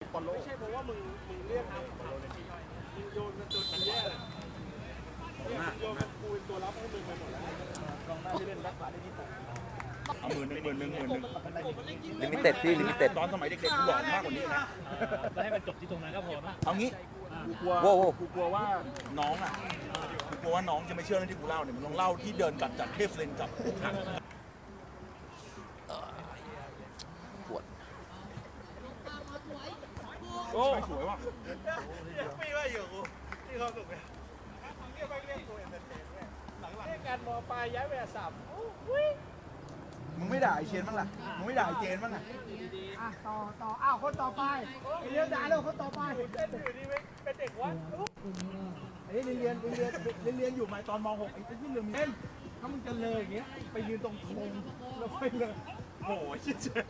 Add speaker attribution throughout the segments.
Speaker 1: บอลโลกไม่ใช่เพราะว่ามึงเรียกนะมึงโยนมันแย่เลยโยนมันกูเป็นตัวรับให้มึงไปหมดแล้วกองหน้าที่เล่นรักษาได้ที่ผมเอาหมื่นหนึ่ง
Speaker 2: ลิมิเต็ดพี่ลิมิเต็ด
Speaker 1: ตอนสมัยเด็กๆกูหลอนมากกว่านี้นะ
Speaker 3: ก็ให้มันจบที่ตรงนั้นก็พอนะ
Speaker 1: เอางี้กูกลัวว่าน้องอ่ะกูกลัวว่าน้องจะไม่เชื่อเรื่องที่กูเล่าเนี่ยมันลองเล่าที่เดินกัดจัดเทฟเลนกับ
Speaker 2: ปวด
Speaker 1: โอ้สวยว่ะไม่ว่าอยู่กูที่เขาสุกเลยเรียกไปเรียกตัวเองเป็นหลังๆเรียกการมอปลายย้ายไปสับมึงไม่ด่าไอเชนบ้างล่ะมึงไม่ด่าไอเจนบ้างอ่ะ
Speaker 4: ต่ออ้าวคนต่อไปเรียนด่าแล้วคนต่อไป
Speaker 1: เล่นอยู่นี่เป็นเด็กวัดไอ้เรียนอยู่มาตอนม .6 ไอ้ที่เรียนเล่นถ้ามึงจะเลยอย่างเงี้ยไปยืนตรงธงแล้วค่อยเลยโอ้ยชิเจ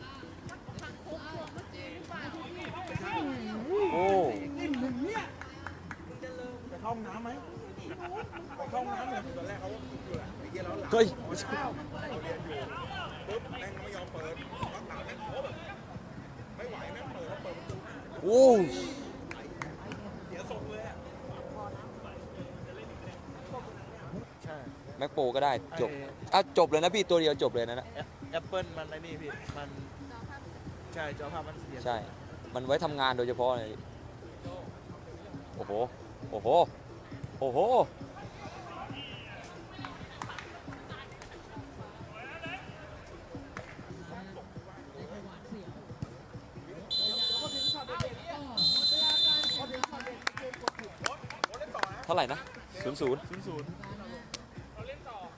Speaker 2: โอ้
Speaker 1: นี่มึงเนี่ยไปเข้าห้องน้ำไหมไปเข้าห้องน้ำเนี่ยตอนแรกเขาอยู่แหละไอ้เหี้ยแล้วหลัง
Speaker 2: เฮ้ย
Speaker 1: เราเรียนอยู่ปุ๊บแม่งไม่ยอมเปิดพักหลังแม่งโคแบบไม่ไหวแม่งเปิดประตู
Speaker 2: โอ้
Speaker 1: เสียทรงเลยอ่ะใช่
Speaker 2: แม็กโปก็ได้จบจบเลยนะพี่ตัวเดียวจบเลยนะ
Speaker 1: แอปเปิลมันไอ้นี่พี่มันใช่จอภาพมันเสีย
Speaker 2: ใช่มันไว้ทำงานโดยเฉพาะเลยโอ้โหโอ้โหโอ้โหเท่าไหร่นะ0-0